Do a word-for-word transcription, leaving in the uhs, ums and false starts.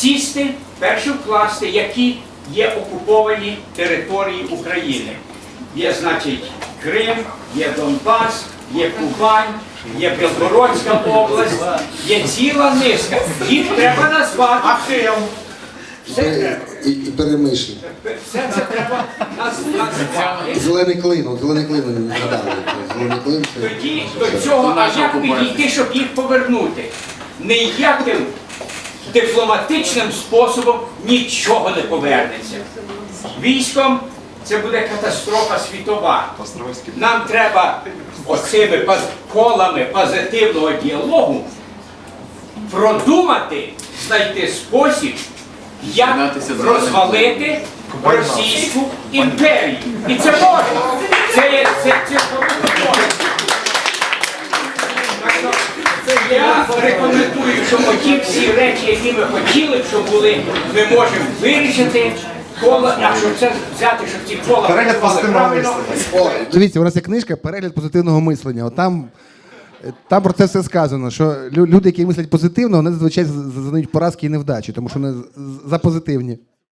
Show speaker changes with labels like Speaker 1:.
Speaker 1: сісти, перше вкласти, які є окуповані території України. Є, значить, Крим, є Донбас, є Кубань, є Білгородська область, є ціла низка. Їх треба назвати.
Speaker 2: Ахил.
Speaker 1: Все треба.
Speaker 3: І, і перемишлі.
Speaker 1: Все це треба наз- назвати.
Speaker 3: Зелений клин, от зелений клин ви не згадали. Зелений клин це...
Speaker 1: Тоді до цього, а як підійти, щоб їх повернути? Ніяким дипломатичним способом нічого не повернеться. Військом це буде катастрофа світова. Нам треба оцими паз- колами позитивного діалогу продумати, знайти спосіб, як розвалити Російську імперію. І це можна. Це є це, це можна. Я рекомендую, що оті всі речі, які ми хотіли б, щоб були, ми можемо вирішити коло, а щоб це взяти, щоб ці кола
Speaker 2: Перегляд позитивного
Speaker 1: правильно.
Speaker 3: О, дивіться, у нас є книжка «Перегляд позитивного мислення». От там, там про це все сказано, що лю- люди, які мислять позитивно, вони зазвичай з- з- зазнають поразки і невдачі, тому що вони з- за позитивні.